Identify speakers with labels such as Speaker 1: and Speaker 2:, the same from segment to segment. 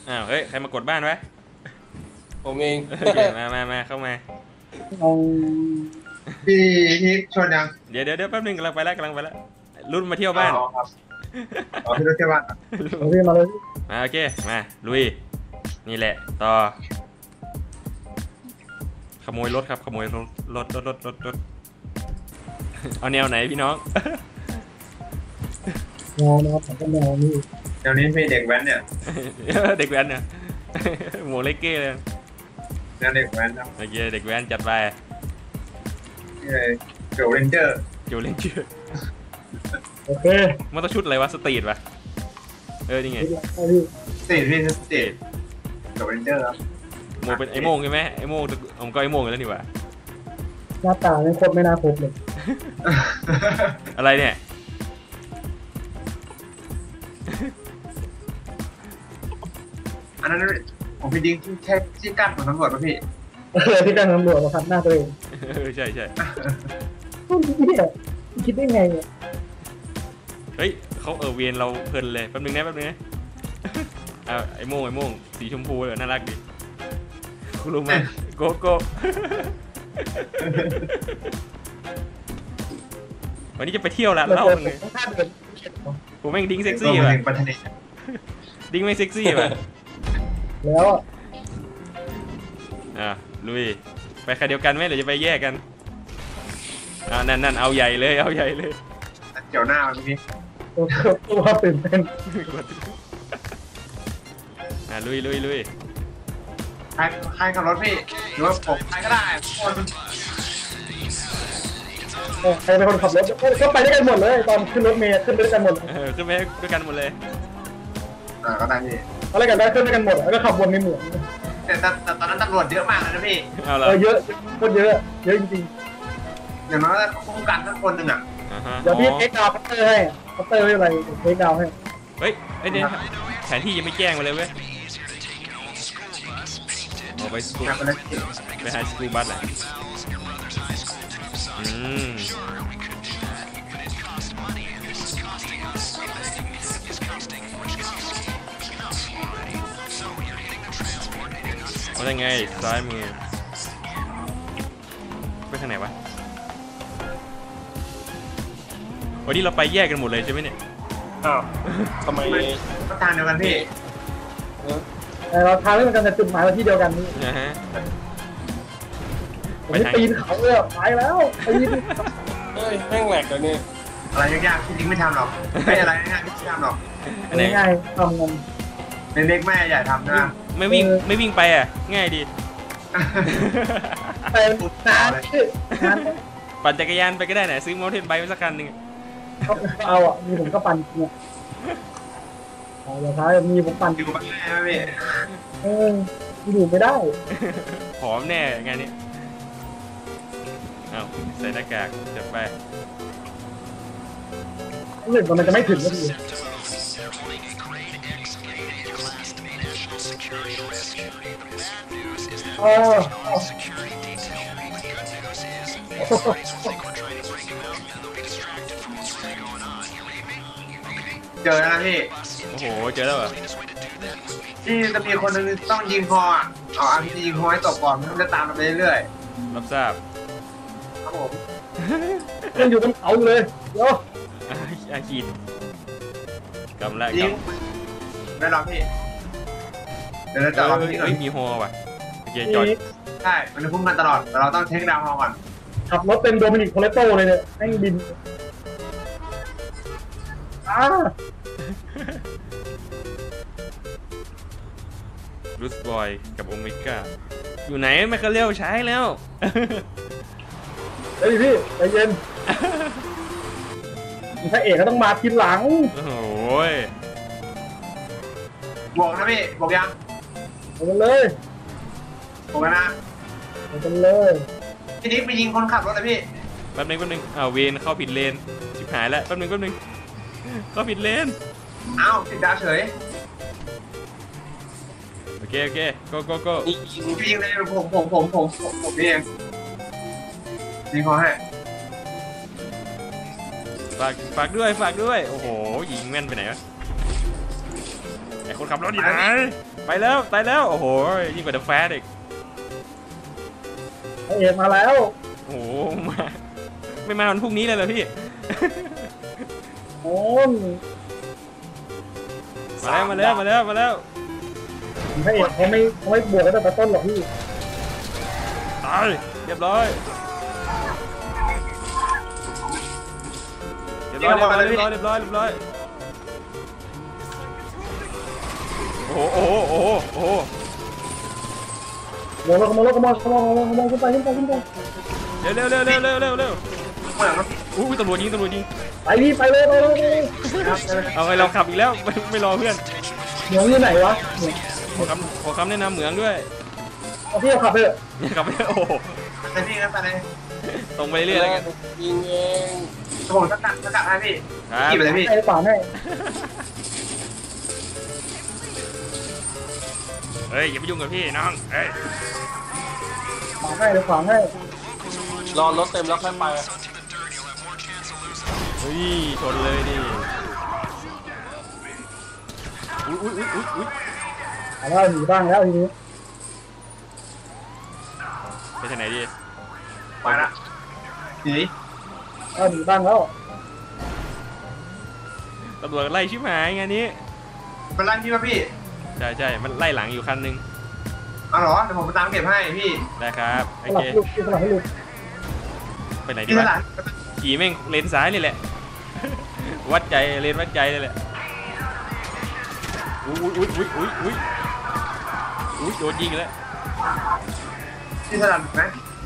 Speaker 1: อ้าวเฮ้ยใครมากดบ้านไว้
Speaker 2: ผมเอง
Speaker 1: โอเคมาเข้ามา
Speaker 3: เอา
Speaker 4: พี่พี่ชวนยัง
Speaker 1: เดี๋ยวแป๊บนึงกำลังไปแล้วรุ่นมาเที่ยว
Speaker 4: อ๋อ
Speaker 1: บ้าน
Speaker 4: ครับอ๋อพี่รถเที่ยวบ้าน
Speaker 3: เอาพี่มาเลย
Speaker 1: มาโอเคมาลุยนี่แหละต่อขโมยรถครับขโมยรถเอาแนวไหนพี่น้อง
Speaker 3: แนวนะครับผมก็แนวนี่
Speaker 4: เดี๋ยวนี้มีเด็กแว้นเนี่ย
Speaker 1: เด็กแว้นเนี่ย หมวกเล็กเก้เลย
Speaker 4: เด็กแว้นนะ
Speaker 1: โอเคเด็กแว้นจัดไป
Speaker 4: นี่เลยเกิร์ลเรนเจอร์
Speaker 1: เกี่ยวเล่นชื่อ
Speaker 3: โอเค
Speaker 1: มันต้องชุดอะไรวะสตรีทปะนี่ไง
Speaker 3: เอาพี่
Speaker 4: สเตทพี่สเตทเกิร์ลเรนเจอร์ครับ
Speaker 1: โมเป็นไอโม่งใช่ไหมไอโม่งผมก็ไอโม่งแล้วนี่หว่า
Speaker 3: หน้าตาไม่ครบไม่น่าครบเลย
Speaker 1: อะไรเนี่ย
Speaker 4: อันนั้นผมพี่ดิ้งแค่ที่กั้นของตำรวจป่ะพี่
Speaker 3: ที่การตำรวจมาคัดหน้าตัวเอง
Speaker 1: ใช่
Speaker 3: ต้นพี่คิดได้ไงเนี่ย
Speaker 1: เฮ้ยเขาเวียนเราเพลินเลยแป๊บนึงนะไอโม่งสีชมพูเลยน่ารักดิคุณรู้ไหมโกโก้ วันนี้จะไปเที่ยวละเล่าเลย
Speaker 3: ท่าเดิน
Speaker 1: ผมแม่งดิ้งเซ็ก
Speaker 4: ตัว
Speaker 1: ซี่
Speaker 4: มัน
Speaker 1: ว่ะ
Speaker 4: เองปัทนี
Speaker 1: ดิ้งไม่เซ็กซี่ว่ะ
Speaker 3: แล้วอ่ะ
Speaker 1: ลุยไปใครเดียวกันไหมหรือจะไปแยกกันนั่นเอาใหญ่เลย
Speaker 4: เกี่ยวหน้ามันพี่
Speaker 3: ตัวตื่นเต้น
Speaker 1: ลุย
Speaker 4: ใครขับรถพี่หรือว่าผมใครก็ได้คน
Speaker 3: ใครเป็นคนขับรถก็ไปด้วยกันหมดเลยตอนขึ้นรถเมล์ขึ้นด้วยกันหมด
Speaker 1: ขึ้นไปด้วยกันหมดเลย
Speaker 4: ก็ได้พี่
Speaker 3: อะไรกันได้ขึ้นด้วยกันหมดแล้วก็ขับวนในเหมือง
Speaker 4: แต่ตอนนั้นตำรวจเยอะมากเลยนะพี่
Speaker 1: เอาละ
Speaker 3: เยอะคนเยอะจริง
Speaker 4: อย่างน้อยก็ป้องกันทั้งคนหนึ่งอ่ะ
Speaker 3: ๆเดี๋ยวพี่เทคดาวน์พัตเตอร์ให้พัตเตอร์ไม่เป็นไรเทคดาวน์ให้
Speaker 1: เฮ้ยเนี่ยแผนที่ยังไม่แจ้งมาเลยเว้ยไปสกู
Speaker 4: ไปเลย
Speaker 1: ไปหาสกูบัสแหละว่าไงซ้ายมือไปทางไหนวะวันนี้เราไปแยกกันหมดเลยใช่ไหมเนี่ย
Speaker 2: อ้าวทำไม
Speaker 4: ก็ทางเดียวกันพี่
Speaker 3: แต่เราทางเรื่องกันแต่จุดหมายเราที่เดียวกันนี่
Speaker 1: นะฮะ
Speaker 3: ผมปีนเขาเลยไปแล้วปีน
Speaker 2: เฮ้ยแม่งแหลกเลยเนี่ย
Speaker 4: อะไรยากๆพี่ดิ้งไม่ทำหรอกไม่อะไรง่ายๆพี่ทำหรอก
Speaker 1: อันไหน
Speaker 3: ง่ายๆทำกัน
Speaker 4: เล็กๆแม่ใหญ่ทำนะ
Speaker 1: ไม่วิ่งไปง่ายดี
Speaker 3: ไปนานนาน
Speaker 1: ปั่นจักรยานไปก็ได้นะซื้อมอเตอร์ไซค์ไปสักคันหนึ่ง
Speaker 3: เอาอ่ะมีผมก็ปั่นเนี่ยเอาท้ายมีผมปั่น
Speaker 4: อยู่บ้านแม่ไหมพี่
Speaker 3: อยู่ไม่ได้
Speaker 1: ผอมแน่งานนี้เอาใส่หน้ากากจับไป
Speaker 3: รู้สึกว่ามันจะไม่ถึงก็ดีเออ
Speaker 4: เจอแล้วนะพี่
Speaker 1: โอ้โหเจอแล้วเหรอ
Speaker 4: ที่จะมีคนนึงต้องยิงคออ่ะเอาอาร์พียิงคอให้ตกก่อนมันจะตามเราไปเรื่อย
Speaker 1: รับทราบ
Speaker 4: ๆครับผม
Speaker 3: ยังอยู่บนเขาอยู่เลยเดี๋ยว
Speaker 1: อาคีนกำละ
Speaker 4: ยิงได้หรอพี่เดี๋ยวเราจะเอาพี่ก่อน
Speaker 1: มีฮอว่ะโอเคจอด
Speaker 4: ใช่มันจะพุ่งกันตลอดแต่เราต้องเทคดาวน์ก่อน
Speaker 3: ขับรถเป็นโดมินิกโคเลโตเลยเนี่ยแม่งบินอ้า
Speaker 1: รูสบอยกับโอเมก้าอยู่ไหนแมคคาเรลใช้แล้ว
Speaker 3: เฮ้ยพี่ใจเย็นพระเอกก็ต้องมาทีหลัง
Speaker 1: โอ้โห
Speaker 4: บอกนะพี่บอกยัง
Speaker 3: ไปกันเลย
Speaker 4: บอกกันนะ
Speaker 3: ไปกันเลย
Speaker 4: พี่นิกไปยิงคนขับรถเลยพี่
Speaker 1: แป๊บนึงเวนเข้าผิดเลนชิบหายแล้วแป๊บนึงเข้าผิดเลน
Speaker 4: เอ้าติดดาวเฉย
Speaker 1: โอเคgo
Speaker 2: นี่ยิง
Speaker 4: พี่ยิงเลยผมนี่เองยิงคอให้
Speaker 1: ฝากด้วยโอ้โหยิงแม่นไปไหนวะคนขับรถอยู่ไหนไปแล้วไปแล้วโอ้โหยิ่งกว่าเดอะแฟร์อีก
Speaker 3: พระเอกมาแล้ว
Speaker 1: โอ้โหมาไม่มาวันพรุ่งนี้เลยเหรอพี่
Speaker 3: โอ้ย
Speaker 1: มาแล้วมาแล้วมาแล้ว
Speaker 3: พระเอกเขาไม่บวกกันตั้งแต่ต้นหรอกพี่
Speaker 1: ตายเรียบร้อยเรียบร้อยเรียบร้อยเรียบร้อยเรียบร้อยโอ้โหโอ้โหโอ้โหโอ้โห
Speaker 3: ขโมยขโมยขโมยขโมยขโมยขึ้นไปขึ้นไปขึ้นไป
Speaker 1: เร็วเร็วเร็วเร็วเร็วเร็วเร็ว
Speaker 4: เหมือนมัน
Speaker 1: อู้ตำรวจยิงตำรวจยิง
Speaker 3: ไปพี่ไปเลยไปเลยไปเลย
Speaker 4: ครับ
Speaker 1: เอาไงเราขับอีกแล้วไม่รอเพื่อน
Speaker 3: เหมืองอยู่ไหนวะเหมือง
Speaker 1: ขอคำแนะนำเหมืองด้วย
Speaker 3: เอาพี่เอาขับไปเถอะ
Speaker 1: ขับไปโอ้โห
Speaker 4: แต่พี่ครับตอนนี้
Speaker 1: ตรงไปเรื่อยๆแล้วกัน
Speaker 2: ยิงเอง
Speaker 4: ผมสกัดให้พี่
Speaker 1: ครับ
Speaker 4: ขี่ไปเลยพี่
Speaker 3: ไอ้ขวาให้
Speaker 1: เฮ้ยอย่าไปยุ่งกับพี่น้องเฮ้ย
Speaker 3: ขวาให้เลยขวาให้
Speaker 2: รอรถเต็มแล้วค่อยไป
Speaker 1: เฮ้ยชนเลยดิอุ้ยอุ้ยอุ้ยอุ้ย
Speaker 3: เอาแล้วหนีบ้างแล้วทีนี้
Speaker 1: ไปทางไหนดี
Speaker 4: ไปละหนี
Speaker 3: เอาหนีบ้างแล้ว
Speaker 1: ตำรวจไล่ชิบหายงานนี้
Speaker 4: เป็นไรพี่ป่ะพี่
Speaker 1: ใช่ใช่มันไล่หลังอยู่คันนึง
Speaker 4: เอาเหรอเดี๋ยวผมไปตามเก็บให้พี่
Speaker 1: ได้ครับโอ
Speaker 3: สลั
Speaker 1: เค
Speaker 3: บลูกสลับให้ลูก
Speaker 1: ไปไหนดี
Speaker 4: พี่ส
Speaker 1: วะ
Speaker 4: ลัด
Speaker 1: ขี่แม่งเลนซ้ายนี่แหละ วัดใจเลนวัดใจเลยแหละอุ้ยอุ้ยอุ้ยอุ้ยอุ้ยอุ้ยโดนยิงแล้ว
Speaker 4: พี่สลัดไหม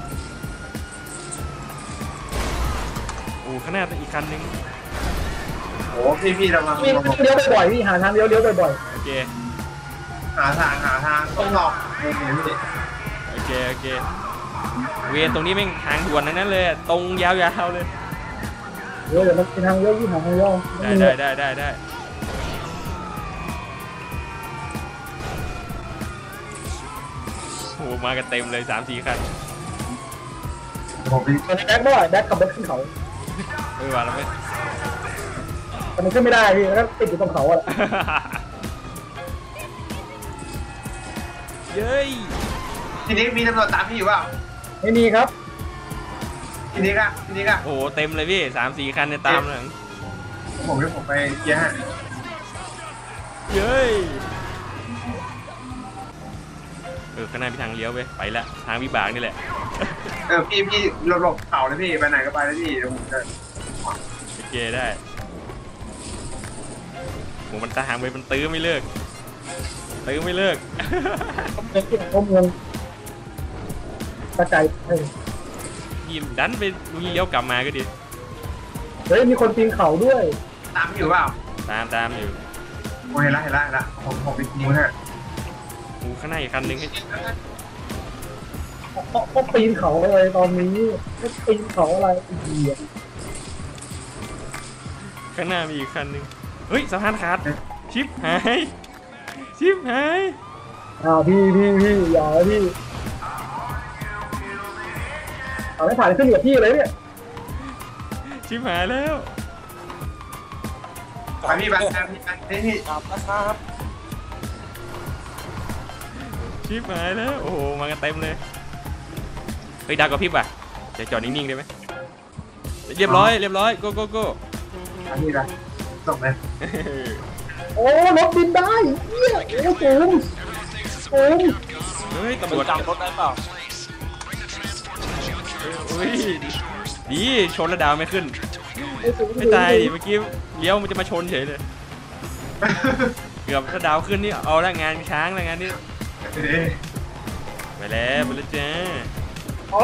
Speaker 1: โอ้ข้างหน้าอีกคันนึง
Speaker 4: โอ้พี่ระวัง
Speaker 3: พี่เลี้ยวบ่อยๆพี่หาทางเลี้ยวบ่อย
Speaker 1: โอเค
Speaker 4: หาทางต้องหลอกพี่
Speaker 1: โอเคโอเคเวรตรงนี้แม่งทางด่วนทั้งนั้นเลยตรงยาวๆเลย
Speaker 3: ๆเดี๋ยวมันเป็นทางเลี้ยวพี่หาทางเลี้ยว
Speaker 1: ได้โอ้มากันเต็มเลย3-4คัน
Speaker 4: ผมไป
Speaker 3: ตอนนี้แบ็คบ่อยแบ็คขับรถขึ้นเขา
Speaker 1: ว่าแล้วไหม
Speaker 3: แต่มันขึ้นไม่ได้พี่แล้วก็ติดอยู่ตรงเขาอะ
Speaker 1: เย้ย
Speaker 4: ทีนี้มีตำรวจตามพี่อยู่เปล่า
Speaker 3: ไม่มีครับ
Speaker 4: ทีนี้ก็
Speaker 1: โอ้เต็มเลยพี่3-4คันเนี่ยตามหลัง
Speaker 4: ผมไปเกียร์ให้
Speaker 1: เย้ยข้างหน้ามีทางเลี้ยวไปละทางวิบากนี่แหละ
Speaker 4: พี่หลบเขาเลยพี่ไปไหนก็ไปเลยพี่เดี๋ยวผมจะ
Speaker 1: โอเคได้โหมันตามไปมันตื้อไม่เลิก
Speaker 3: เป็นที่ของเมืองตะไคร้เฮ้ย
Speaker 1: ยิมดันไปลุงเลี้ยวกลับมาก็ดี
Speaker 3: เฮ้ยมีคนปีนเขาด้วย
Speaker 4: ตามพี่อยู่เปล่า
Speaker 1: ตามอยู่
Speaker 4: โอ้เห็นละผมไปยิงให้
Speaker 1: โอ้ข้างหน้าอีกคันนึง
Speaker 3: เขาปีนเขาอะไรตอนนี้เขาปีนเขาอะไรอีกเหี้ย
Speaker 1: ข้างหน้ามีอีกคันนึงเฮ้ยสะพานขาดชิปหาย
Speaker 3: พี่อย่าพี่เอาไม่ผ่านขึ้นกับพี่เลยเนี่ย
Speaker 1: ชิปหายแล้ว
Speaker 4: ไปพี่พี่
Speaker 2: ครับนะครับ
Speaker 1: ชิปหายแล้วโอ้โหมากันเต็มเลยเฮ้ยดาวกับพริบอ่ะจะจอดนิ่งๆได้ไหมเรียบร้อยโก้
Speaker 4: พี่ละส่งเลย
Speaker 3: โอ้รถบินได้เหี้ยโอ้สูง
Speaker 1: เฮ้ยตำร
Speaker 2: มัน
Speaker 1: วจ
Speaker 2: จำรถได้เปล่า
Speaker 1: เฮ้ยดีชนแล้วดาวไม่ขึ้น
Speaker 3: สูง
Speaker 1: ไม่ตายดิเมื่อกี้เลี้ยวมันจะมาชนเฉยเลยเกือบถ้าดาวขึ้นนี่เอาละงานช้างละงานนี้ไปแล้วจ้า
Speaker 3: อ๋อ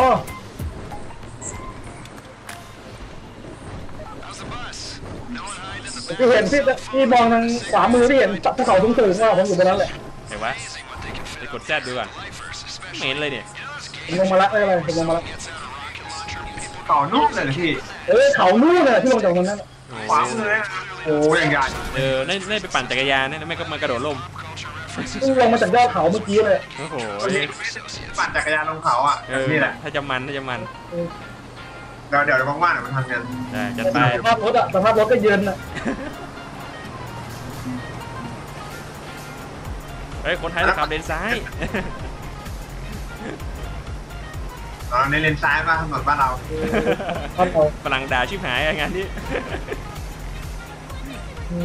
Speaker 3: ที่เห็นพี่มองทางขวามือที่เห็นจับภูเขาสูงๆว่าผมอยู่บนนั้นแหละ
Speaker 1: เห็นวะไปกดแซดดูก่อนไม่เห็นเลยเนี่ย
Speaker 3: ผมลงมาละไม่เป็นไรผมลงมาละ
Speaker 4: ต่อนุ่มเลยพี่
Speaker 3: เขานู่นเลยที่ลงจากตรงนั้น
Speaker 4: ขวามือนะโอ้ยังใหญ่
Speaker 1: ได้ไปปั่นจักรยานนะไม่ก็มากระโดดร่ม
Speaker 3: ลงมาจากยอดเขาเมื่อกี้เลย
Speaker 1: โอ้โห
Speaker 4: ปั่นจักรยานลงเขาอ่ะนี่แหละ
Speaker 1: ถ้าจะมัน
Speaker 4: เดี๋ยวว่างๆเดี๋ยวมันทำกัน
Speaker 1: ได้จัดไป
Speaker 3: สภาพรถก็เย็นอ่ะ
Speaker 1: เฮ้ยคนไทยต้องขับเลนซ้าย
Speaker 4: อ๋อในเลนซ้ายป่ะถนนบ้านเรา
Speaker 3: ครับผม
Speaker 1: ฝรั่งด่าชิบหายงานนี้
Speaker 3: อื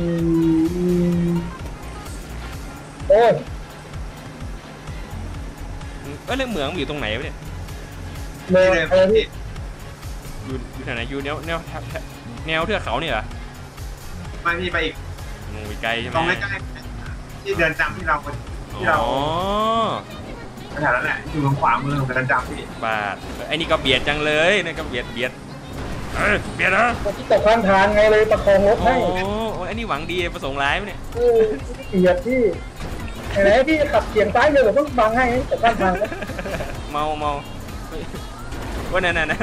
Speaker 3: โอ้ย
Speaker 1: เรื่องเหมืองอยู่ตรงไหนวะเนี่ย
Speaker 3: เลย
Speaker 4: ที่เดิน
Speaker 3: อะไรพี่
Speaker 1: อยู่แถวไหนอยู่แนวเทือกเขาเนี่ยเหรอ
Speaker 4: มาพี่ไปอีก
Speaker 1: โอ้ยไกลใช่ไหม
Speaker 4: ตรงใกล้ๆที่เดินจำที่เราที่เรา
Speaker 1: อ๋อ
Speaker 4: แถวนั้นแหละอยู่ตรงขวามือของเดินจำพี่
Speaker 1: บาทไอ้นี่ก็เบียดจังเลยนี่ก็เบียดเบียดนะ
Speaker 3: ที่ตกข้างทางไงเลยประคองรถ
Speaker 1: โอ้
Speaker 3: ให้
Speaker 1: โหไอ้นี่หวังดีประสงค์ร้ายไหมเนี่ย
Speaker 3: เกลียดพี่ไหนพี่ขับเฉียงซ้ายเลยผมต้องบังให้ตกข้างทาง
Speaker 1: เมาว่านั่น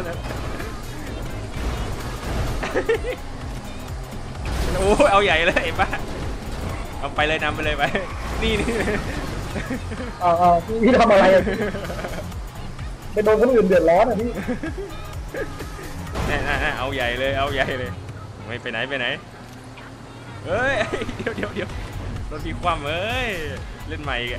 Speaker 1: โอ้เอาใหญ่เลยไอ้บ้าเอาไปเลยนำไปเลยไปนี่
Speaker 3: พี่ทำอะไรไปโดนคนอื่นเดือดร้อนอ่ะพี่
Speaker 1: น่เอาใหญ่เลยไม่ไปไหนเฮ้ยเดี๋ยวรถพี่คว่ำเอ้ยเล่นใหม่อีก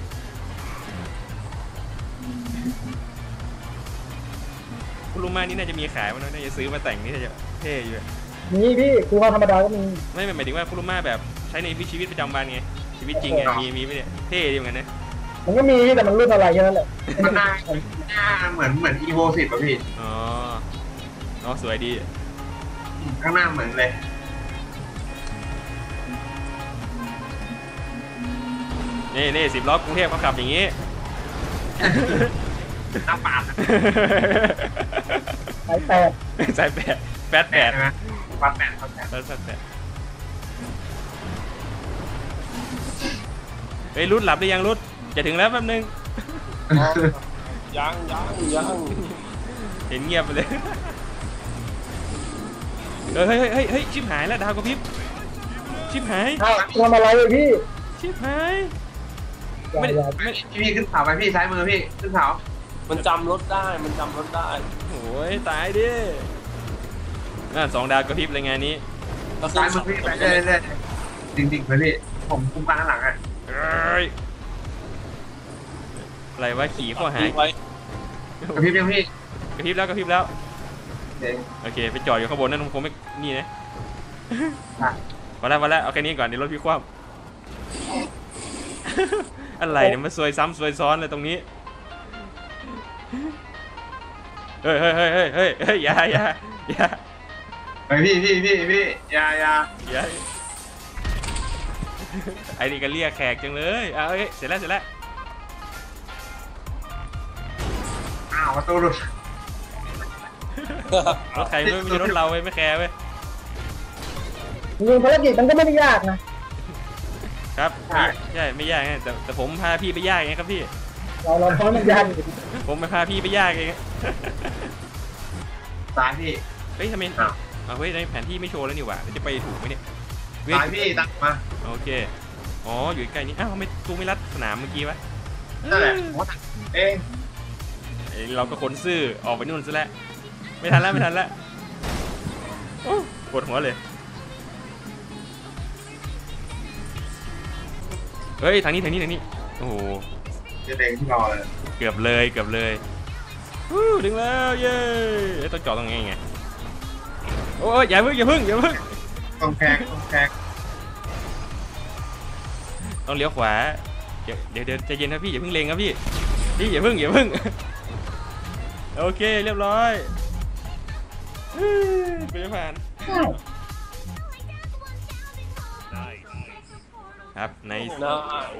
Speaker 1: คุณลุงมานี่น่าจะมีขายมั้งน่าจะซื้อมาแต่งนี่น่าจะเท่อยู่
Speaker 3: นี่พี่คือว่าธรรมดาก็มี
Speaker 1: ไม่หมายถึงว่าคุณลุงมาแบบใช้ในชีวิตประจำวันไงชีวิตจริงไงมีไหมเนี่ยเท่ดีเหมือนกันนะ
Speaker 3: มันก็มีแต่มันรุ่นอะไรแค่นั้นแหละ
Speaker 4: มันหน้าเหมือนอีโว10ป่ะพี่
Speaker 1: อ๋อสวยดี
Speaker 4: ข้างหน้าเหมือนเลย
Speaker 1: นี่10 ล้อกรุงเทพเขาขับอย่างนี้
Speaker 4: หน้าปาด
Speaker 3: สายแปด
Speaker 1: สายแปด
Speaker 4: ใช่ไหมวัดแปด
Speaker 1: เฮ้ยรุดหลับหรือยังรุดจะถึงแล้วแป๊บนึง
Speaker 2: ยัง
Speaker 1: เห็นเงียบไปเลยเฮ้ยชิบหายแล้วดาวกระพริบชิบหาย
Speaker 3: ทำอะไรเลยพี่
Speaker 1: ชิบหาย
Speaker 3: อย่า
Speaker 4: พี่ขึ้นเขาไปพี่ซ้ายมือพี่ขึ้นเขา
Speaker 2: มันจำรถได้
Speaker 1: โอ้ยตายดิ2 ดาวกระพริบเลยงานนี้
Speaker 4: ซ้ายมือพี่ไปเรื่อยๆดิ่งๆไปพี่ผมคุมการข้างหลังอ่ะ
Speaker 1: เอ้ยอะไรวะขี่ข้อหาย
Speaker 2: ไว้
Speaker 4: กระพริบยังพี่
Speaker 1: กระพริบแล้วโอเคไปจอดอยู่ข้างบนนั่นคงไม่นี่นะมาแล้วเอาแค่นี้ก่อนเดี๋ยวรถพี่คว่ำอะไรเนี่ยมาซวยซ้ำซวยซ้อนเลยตรงนี้เฮ้ยอย่า
Speaker 4: ไปพี่อย่า
Speaker 1: ไอ้นี่ก็เรียกแขกจังเลยเฮ้ยเสร็จแล้ว
Speaker 4: อ้าวประตูหลุด
Speaker 1: รถใครไม่มีรถเราเว้ยไม่แคร์เว้ย
Speaker 3: ยิงภารกิจมันก็ไม่ได้ยากนะ
Speaker 1: ครับใช่ไม่ยากไงแต่ผมพาพี่ไปยากไงครับพี่
Speaker 3: เราเพราะมันยากอยู่
Speaker 1: ผมไปพาพี่ไปยากเอง
Speaker 4: ซ้ายพี่
Speaker 1: เฮ้ยทำไมเฮ้ยในแผนที่ไม่โชว์แล้วนี่หว่าจะไปถูกไหมเนี่ย
Speaker 4: ซ้ายพี่ตัดมา
Speaker 1: โอเคอ๋ออยู่ใกล้นี้อ้าวทำไมตูไม่รัดสนามเมื่อกี้วะ
Speaker 4: นั่นแหละผมตัดเอง
Speaker 1: เราก็คนซื่อออกไปนู่นซะแล้วไม่ทันแล้วปวดหัวเลยเฮ้ยทางนี้โอ้โห
Speaker 4: จะเด้งที่รอเลย
Speaker 1: เกือบเลยถึงแล้วเย้ต้องจอดตรงนี้ไงโอ้ยอย่าเพิ่ง
Speaker 4: ต้องแขก
Speaker 1: ต้องเลี้ยวขวาเดี๋ยวใจเย็นครับพี่อย่าเพิ่งเล็งครับพี่อย่าเพิ่งโอเคเรียบร้อยไปผ่านครับใน
Speaker 2: น่า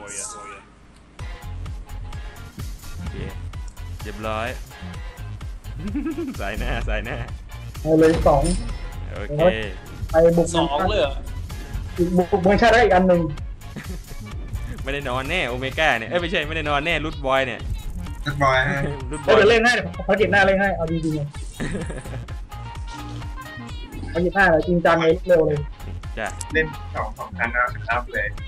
Speaker 1: โอเคเรียบร้อย สายหน้า
Speaker 3: เอาเลย2
Speaker 1: โอเค
Speaker 3: ไปบุก
Speaker 2: 2เลยเหรอ
Speaker 3: อีกบุกเมืองชาติได้อีกอันหนึ่ง
Speaker 1: ไม่ได้นอนแน่โอเมก้าเนี่ยไม่ใช่ไม่ได้นอนแน่รูทบอยเนี่ย
Speaker 4: เรียบร้อยฮะ
Speaker 1: รูทบ
Speaker 3: เดี๋
Speaker 1: อย
Speaker 3: ยวเล่นให้ภารกิจหน้าเล่นให้เอาจริงๆเลยภารกิจหน้าเลยจริงจังเลยเร็วเลย
Speaker 1: จ้ะ
Speaker 4: เล่น2 คันนะครับเลย